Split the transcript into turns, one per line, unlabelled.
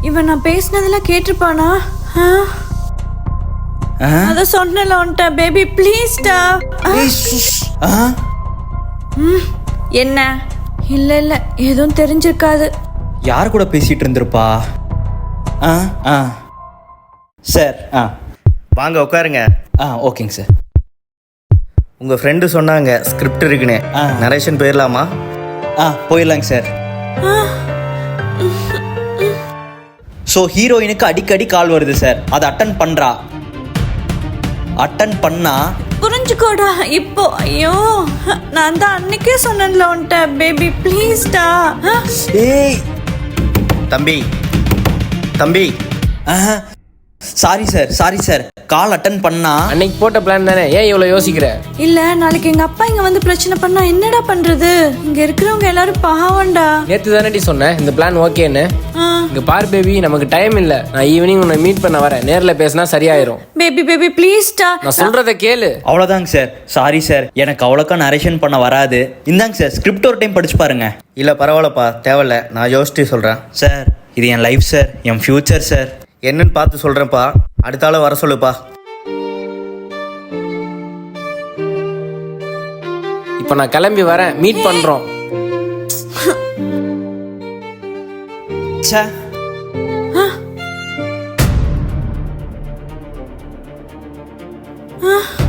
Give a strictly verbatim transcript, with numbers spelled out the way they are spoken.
இவன் நான் பேசினதெல்லாம் கேட்டிருப்பானா? அத சொன்னல உன்ட்ட பேபி ப்ளீஸ்டா. என்ன? இல்ல இல்ல எதுவும் தெரிஞ்சிருக்காது.
யார் கூட பேசிட்டு இருந்திருப்பா? ஆ ஆ சார் ஆ
வாங்க உட்காருங்க.
ஆ ஓகேங்க சார்.
உங்கள் ஃப்ரெண்டு சொன்னாங்க ஸ்கிரிப்ட் இருக்குன்னு.
ஆ.
நரேஷன் போயிடலாமா?
ஆ போயிடலாங்க சார். ஸோ ஹீரோயினுக்கு அடிக்கடி கால் வருது சார், அதை அட்டன் பண்ணுறா. அட்டன் பண்ணா
புரிஞ்சுக்கோடா இப்போ. ஐயோ நான் தான் அன்னைக்கே சொன்னேன்ல உன்ட்ட பேபி ப்ளீஸ்டா.
ஏய்
தம்பி தம்பி
sorry sir sorry sir call attend பண்ணா.
அன்னைக்கு போட்ட பிளான் தானே, ஏன் இவ்வளோ யோசிக்கிற?
இல்ல நாளைக்கு எங்க அப்பா இங்க வந்து பிரச்சனை பண்ணா என்னடா பண்றது? இங்க இருக்கிறவங்க எல்லாரும் பாவம்டா.
நேத்து தானே சொன்னேன் இந்த பிளான் ஓகேன்னு. இங்க பார் பேபி, நமக்கு டைம் இல்ல. நான் ஈவினிங் உன்னை மீட் பண்ண வரேன், நேர்ல பேசினா சரியாயிரும்.
பேபி பேபி ப்ளீஸ்டா.
நான் சொல்றத கேளு.
அவ்வளோதாங்க சார். சாரி சார், எனக்கு அவ்வளோக்கா நரேஷன் பண்ண வராது. இந்தாங்க சார் ஸ்கிரிப்ட் ஒரு டைம் படிச்சு பாருங்க.
இல்லை பரவாயில்லப்பா, தேவையில்ல, நான் யோசிச்சு சொல்கிறேன்.
சார் இது என் லைஃப் சார், என் ஃபியூச்சர் சார்.
என்னன்னு பார்த்து சொல்கிறேன்ப்பா. அடுத்த ஆள வர சொல்லுப்பா.
இப்போ நான் கிளம்பி வரேன், மீட் பண்றோம்.
ச்சே
ஆ